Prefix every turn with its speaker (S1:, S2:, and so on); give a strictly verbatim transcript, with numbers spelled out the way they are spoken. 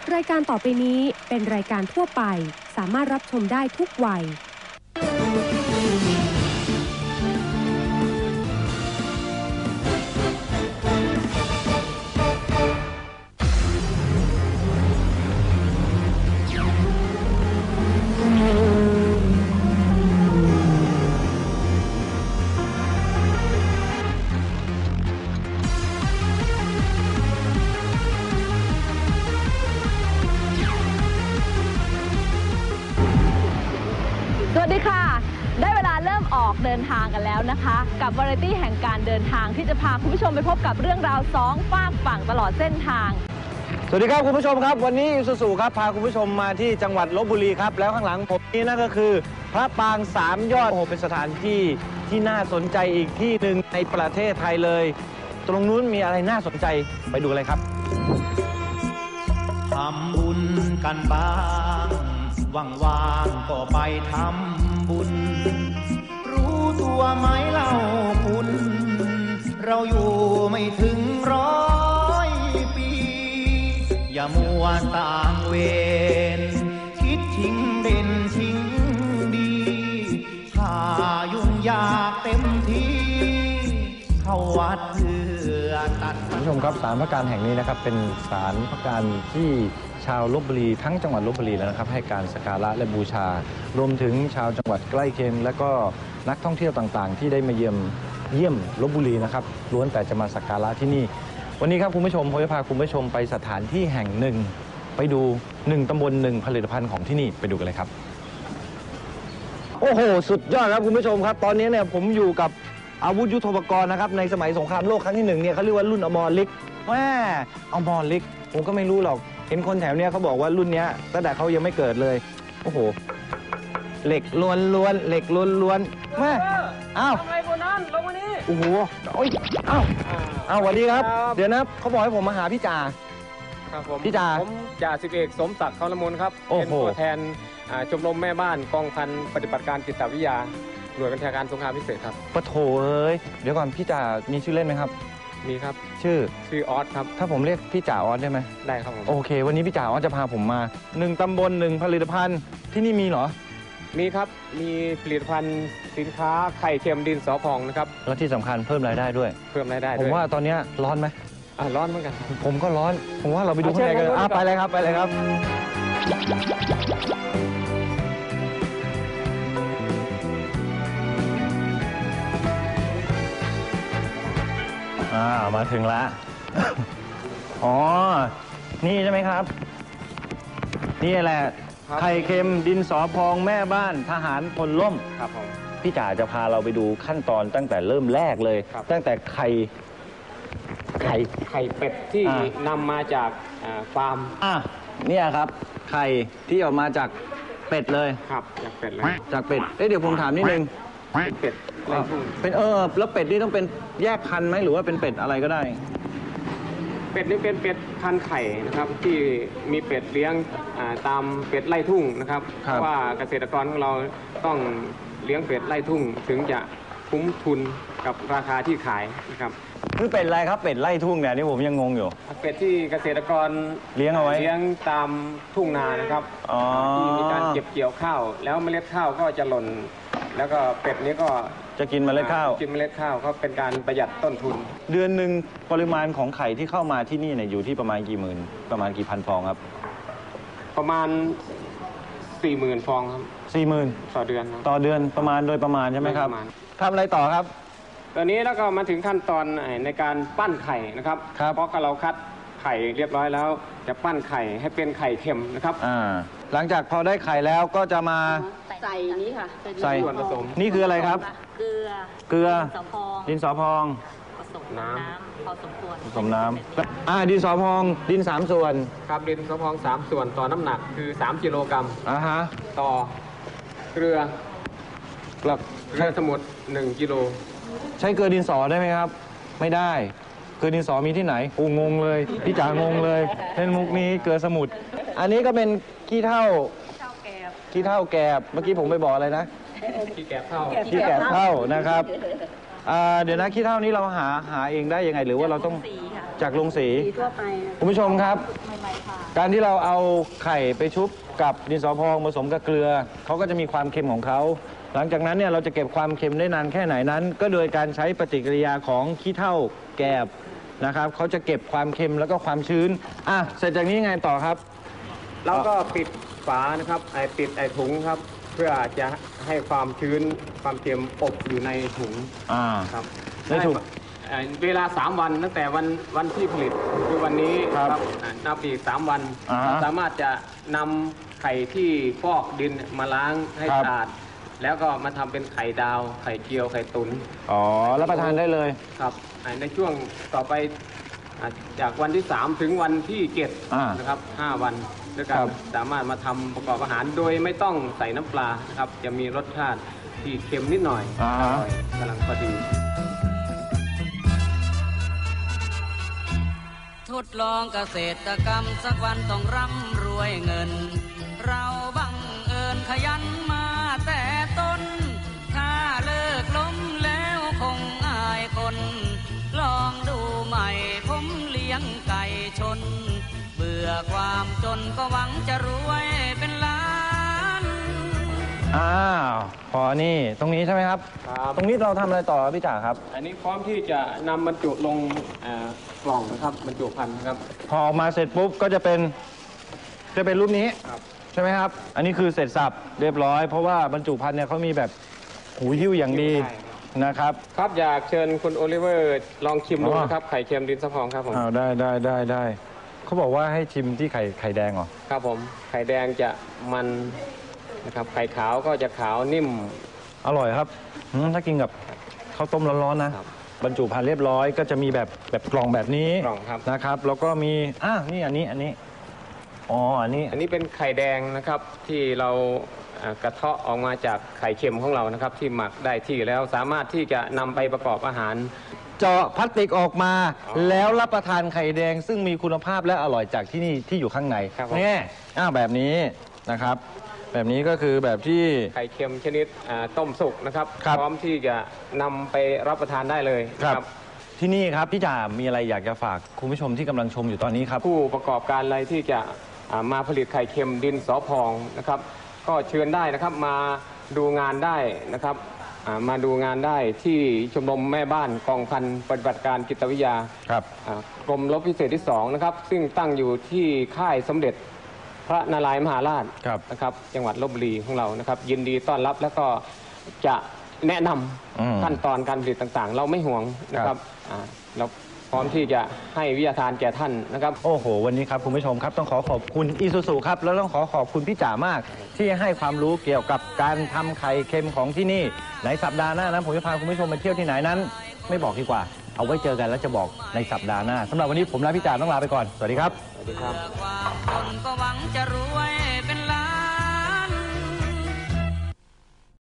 S1: รายการต่อไปนี้เป็นรายการทั่วไปสามารถรับชมได้ทุกวัย
S2: สวัสดีค่ะได้เวลาเริ่มออกเดินทางกันแล้วนะคะกับวาไรตี้แห่งการเดินทางที่จะพาคุณผู้ชมไปพบกับเรื่องราวสองฝากฝั่งตลอดเส้นทาง
S3: สวัสดีครับคุณผู้ชมครับวันนี้อิซูซูครับพาคุณผู้ชมมาที่จังหวัดลพบุรีครับแล้วข้างหลังผมนี้นั่นก็คือพระปางสามยอดโอ้โหเป็นสถานที่ที่น่าสนใจอีกที่หนึ่งในประเทศไทยเลยตรงนู้นมีอะไรน่าสนใจไปดูเลยครับ
S4: ทำบุญกันบ้างว่างๆก็ไปทำบุญรู้ตัวไหมเล่าคุณเราอยู่ไม่ถึงร้อยปีอย่ามัวต่างเวรคิดทิ้งเด่นทิ้งดีถ้ายุ่งยากเต็มที่เข้าวัดเพื่อตัด
S3: คุณผู้ชมครับศาลพระการแห่งนี้นะครับเป็นศาลพระการที่ชาวลพบุรีทั้งจังหวัดลพบุรีแล้วนะครับให้การสักการะและบูชารวมถึงชาวจังหวัดใกล้เคียงและก็นักท่องเที่ยวต่างๆที่ได้มาเยี่ยมเยี่ยมลพบุรีนะครับล้วนแต่จะมาสักการะที่นี่วันนี้ครับคุณผู้ชมผมจะพาคุณผู้ชมไปสถานที่แห่งหนึ่งไปดูหนึ่งตำบลหนึ่งผลิตภัณฑ์ของที่นี่ไปดูกันเลยครับโอ้โหสุดยอดครับคุณผู้ชมครับตอนนี้เนี่ยผมอยู่กับอาวุธยุทโธปกรณ์นะครับในสมัยสงครามโลกครั้งที่หนึ่งเนี่ยเขาเรียกว่ารุ่นอมรฤกษ์แม่อมรฤกษ์ผมก็ไม่รู้หรอกเห็นคนแถวเนี้ยเขาบอกว่ารุ่นนี้ตั้งแต่เขายังไม่เกิดเลยโอ้โหเหล็กล้วนล้วนเหล็กล้วนล้วนแม่อ้าวทำไมคนนั้นลงมานี่โอ้โหโอ้ยอ้าวอ้าวสวัสดีครับเดี๋ยวนะเขาบอกให้ผมมาหาพี่จ่า
S5: ครับผม
S3: พี่จ่า
S5: ผมจ่าสิบเอกสมศักดิ์เขาละมุนครับเป็นตัวแทนชมรมแม่บ้านกองพันปฏิบัติการจิตวิทยาหน่วยบัญชาการสงครามพิเศษครับ
S3: ปะโถเอ้ยเดี๋ยวก่อนพี่จ่ามีชื่อเล่นไหมครับ
S5: มีครับ
S3: ชื่อ
S5: ชื่อออสครับ
S3: ถ้าผมเรียกพี่จ่าออสได้ไหม
S5: ได้ครับผม
S3: โอเควันนี้พี่จ่าออสจะพาผมมาหนึ่งตำบลหนึ่งผลิตภัณฑ์ที่นี่มีเหรอ
S5: มีครับมีผลิตภัณฑ์สินค้าไข่เค็มดินสอพองนะครับ
S3: แล้วที่สำคัญเพิ่มรายได้ด้วย
S5: เพิ่มรายได้
S3: ผมว่าตอนนี้ร้อนไหม
S5: อ่าร้อนเหมือนกัน
S3: ผมก็ร้อนผมว่าเราไปดูข้างในกันอ่ะไปเลยครับไปเลยครับอ่ามาถึงแล้วอ๋อนี่ใช่ไหมครับนี่แหละไข่เค็มดินสอพองแม่บ้านทหารพลล่ม
S5: ครับผม
S3: พี่จ๋าจะพาเราไปดูขั้นตอนตั้งแต่เริ่มแรกเลยตั้งแต่ไข่ไข่
S5: ไข่เป็ดที่นำมาจากฟาร์ม
S3: อ่ะเนี่ยครับไข่ที่ออกมาจากเป็ดเลย
S5: ครับจากเป็ดเลย
S3: จากเป็ดเอ๊ะเดี๋ยวผมถามนิดนึง
S5: เป็ด
S3: เป็นเออแล้วเป็ดนี่ต้องเป็นแยกพันธุ์ไหมหรือว่าเป็นเป็ดอะไรก็ได้
S5: เป็ดนี่เป็นเป็ดพันธุ์ไข่นะครับที่มีเป็ดเลี้ยงตามเป็ดไล่ทุ่งนะครับเพราะว่าเกษตรกรของเราต้องเลี้ยงเป็ดไล่ทุ่งถึงจะคุ้มทุนกับราคาที่ขายนะครับ
S3: คือเป็ดอะไรครับเป็ดไล่ทุ่งเนี่ยนี่ผมยังงงอยู่
S5: เป็ดที่เกษตรกร
S3: เลี้ยงเอาไว้
S5: เลี้ยงตามทุ่งนานะครับที่มีการเก็บเกี่ยวข้าวแล้วเมล็ดข้าวก็จะหล่นแล้วก็เป็ดนี้ก็
S3: จะกินเมล็ดข้าว
S5: กินเมล็ดข้าวก็เป็นการประหยัดต้นทุน
S3: เดือนหนึ่งปริมาณของไข่ที่เข้ามาที่นี่เนี่ยอยู่ที่ประมาณกี่หมื่นประมาณกี่พันฟองครับ
S5: ประมาณสี่หมื่นฟองครับ
S3: สี่หมื่น
S5: ต่อเดือน
S3: ต่อเดือนประมาณโดยประมาณใช่ไหมครับทำอะไรต่อครับ
S5: ตอนนี้แล้วก็มาถึงขั้นตอนในการปั้นไข่นะครับเพราะเราคัดไข่เรียบร้อยแล้วจะปั้นไข่ให้เป็นไข่เค็มนะครับ
S3: อ่าหลังจากพอได้ไข่แล้วก็จะมา
S2: ใส่นี้ค่ะ
S3: ใส่
S5: ส่วนผสม
S3: นี่คืออะไรครับ
S2: เกลือ
S3: เกลือ
S2: ดินสอพอง
S3: ดินสอพอง
S2: ผสมน้ำพอสมควร
S3: ผสมน้ำอ่าดินสอพองดินสามส่วน
S5: ครับดินสอพองสามส่วนต่อน้ำหนักคือสามกิโลกรัม
S3: อ่าฮะ
S5: ต่อเกลือเกลือใช้สมุดหนึ่งกิโล
S3: ใช้เกลือดินสอได้ไหมครับไม่ได้เกลือดินสอมีที่ไหนโอ้งงเลยพี่จ๋างงเลยเล่นมุกนี้เกลือสมุดอันนี้ก็เป็นขี้เถ้าขี้เถ้าแกบเมื่อกี้ผมไปบอกอะไรนะ
S5: ขี้แกบเท่า
S3: ขี้แกบเท่านะครับอ่าเดี๋ยวนะขี้เถ้านี้เราหาหาเองได้ยังไงหรือว่าเราต้อง
S2: สีค่ะ
S3: จากโรงสี
S2: สีทั่วไป
S3: คุณผู้ชมครับ
S2: ใหม่ๆค่ะ
S3: การที่เราเอาไข่ไปชุบกับดินสอพองผสมกับเกลือเขาก็จะมีความเค็มของเขาหลังจากนั้นเนี่ยเราจะเก็บความเค็มได้นานแค่ไหนนั้น ก็โดยการใช้ปฏิกิริยาของขี้เถ้าแกบนะครับเขาจะเก็บความเค็มแล้วก็ความชื้นอ่ะเสร็จจากนี้ไงต่อครับ
S5: เราก็ปิดฝานะครับไอปิดไอถุงครับ เพื่อจะให้ความชื้นความเค็มอบอยู่ในถุง
S3: อ่า
S5: ครับ
S3: ในถุง
S5: เอ่อเวลาสามวันตั้งแต่วันวันที่ผลิตคือวันนี้
S3: ครับ
S5: อ่านับอีกสามวัน
S3: อ่าฮะ
S5: เราสามารถจะนำไข่ที่ฟอกดินมาล้างให้
S3: ครับ
S5: สะอาดแล้วก็มาทำเป็นไข่ดาวไข่เจียวไข่ตุน
S3: อ๋อรับประทานได้เลย
S5: ครับอ่าในช่วงต่อไปอ่าจากวันที่สามถึงวันที่เจ็ด
S3: อ่าน
S5: นะครับห้าวันด้วยกั
S3: ครั
S5: น
S3: บ
S5: สามารถมาทำประกอบอาหารโดยไม่ต้องใส่น้ำปลานะครับจะมีรสชาติที่เค็มนิดหน่อย
S3: อ่า
S5: อร่อยกำลังพอดี
S6: ทดลองเกษตรกรรมสักวันต้องร่ำรวยเงิน เราบังเอิญขยันมาแต่ต้น ถ้าเลิกล้มแล้วคงอายคน ลองดูใหม่ผมเลี้ยงไก่ชน เบื่อความจนก็หวังจะรวยเป็นล้าน
S3: อ้าวพอนี่ตรงนี้ใช่ไหมครับ
S5: ครับ
S3: ตรงนี้เราทำอะไรต่อครับพี่จ๋าครับ
S5: อันนี้พร้อมที่จะนำบรรจุลงเอ่อกล่องนะครับบรรจุภัณฑ์นะครับ
S3: พอออกมาเสร็จปุ๊บก็จะเป็นจะเป็นรูปนี้
S5: ครับ
S3: ใช่ไหมครับ อันนี้คือเสร็จสับเรียบร้อย เพราะว่าบรรจุภัณฑ์เนี่ยเขามีแบบหูหิ้วอย่างดี
S5: ใช่ครับ
S3: นะครับ
S5: ครับอยากเชิญคุณโอลิเวอร์ลองชิมดู
S3: อ๋อ
S5: นะครับไข่เค็มดินสะพองครับผม
S3: อ้าวได้ได้ได้ได้เขาบอกว่าให้ชิมที่ไข่ไข่แดงเหรอ
S5: ครับผมไข่แดงจะมันนะครับไข่ขาวก็จะขาวนิ่ม
S3: อร่อยครับอืมถ้ากินกับข้าวต้มร้อนๆนะครับ บรรจุภัณฑ์เรียบร้อยก็จะมีแบบแบบกล่องแบบนี้
S5: กล่องครับ
S3: นะครับ แล้วก็มีอ่ะนี่อันนี้อันนี้อ๋ออันนี้
S5: อันนี้เป็นไข่แดงนะครับที่เราเอ่อกระเทาะออกมาจากไข่เค็มของเรานะครับ ที่หมักได้ที่แล้วสามารถที่จะนำไปประกอบอาหาร
S3: เจาะพลาสติกออกมา
S5: อ๋อ
S3: แล้วรับประทานไข่แดง ซึ่งมีคุณภาพและอร่อยจากที่นี่ที่อยู่ข้างใน
S5: ครับผม
S3: นี่อ้าวแบบนี้นะครับ แบบนี้ก็คือแบบที่
S5: ไข่เค็มชนิดอ่าต้มสุกนะครับ
S3: ครับ
S5: พร้อมที่จะนำไปรับประทานได้เลย
S3: ค
S5: นะ
S3: รับที่นี่ครับพี่จ่ามีอะไรอยากจะฝากคุณผู้ชมที่กำลังชมอยู่ตอนนี้ครับ
S5: ผู้ประกอบการอะไรที่จะอ่ามาผลิตไข่เค็มดินสอพองนะครับ ก็เชิญได้นะครับมาดูงานได้นะครับอ่ามาดูงานได้ที่ชมรมแม่บ้านกองพันปฏิบัติการจิตวิทยา
S3: ครับ
S5: อ่ากรมรบพิเศษที่สองนะครับ ซึ่งตั้งอยู่ที่ค่ายสมเด็จพระนารายณ์มหาราช
S3: ครับ
S5: นะครับ จังหวัดลบบุรีของเรานะครับ ยินดีต้อนรับแล้วก็จะแนะน
S3: อืม
S5: ำขั้นตอนการผลิตต่างๆ เราไม่ห่วงนะค
S3: ครั
S5: รับบ อ่าเราพร้อมที่จะให้วิทยาทานแก่ท่านนะครับ
S3: โอ้โห วันนี้ครับคุณผู้ชมครับต้องขอขอบคุณอีซูซูครับ แล้วต้องขอขอบคุณพี่จ๋ามาก ที่ให้ความรู้เกี่ยวกับการทำไข่เค็มของที่นี่ในสัปดาห์หน้านั้นผมจะพาคุณผู้ชมไปเที่ยวที่ไหนนั้น ไม่บอกดีกว่า เอาไว้เจอกันแล้วจะบอกในสัปดาห์หน้าสำหรับวันนี้ผมและพี่จ๋าต้องลาไปก่อนสวัสดีครับ
S5: สวัสดีครับ
S6: เพื่อความจนก็หวังจะรวย